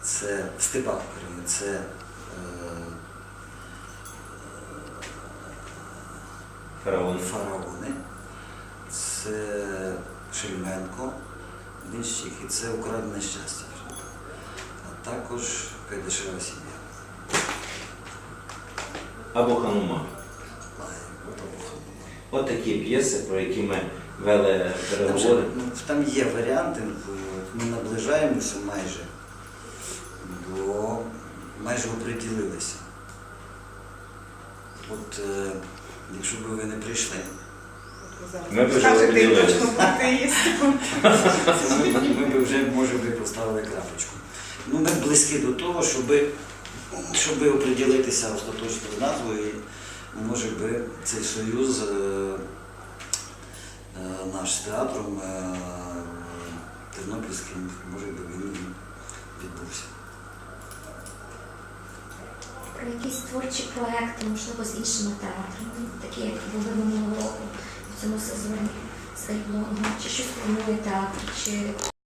це в степах України, це фараони, це Шельменко, Денщик, і це украдене щастя. А також Кайдашева сім'я. Або Ханума. От такі п'єси, про які ми вели переговори. Там є варіанти, ми наближаємося майже оприділилися. От якщо б ви не прийшли, ми б вже оприділилися. ми б вже, може би, поставили крапочку. Ми близькі до того, щоб оприділитися остаточно з назвою, і, може би, цей союз наш з театром Тернопільським, може би, він відбувся. Про якісь творчі проекти, можливо, з іншими театрами, такі, як були минулого року в цьому сезоні з Ельблонгом, чи щось планує театр, чи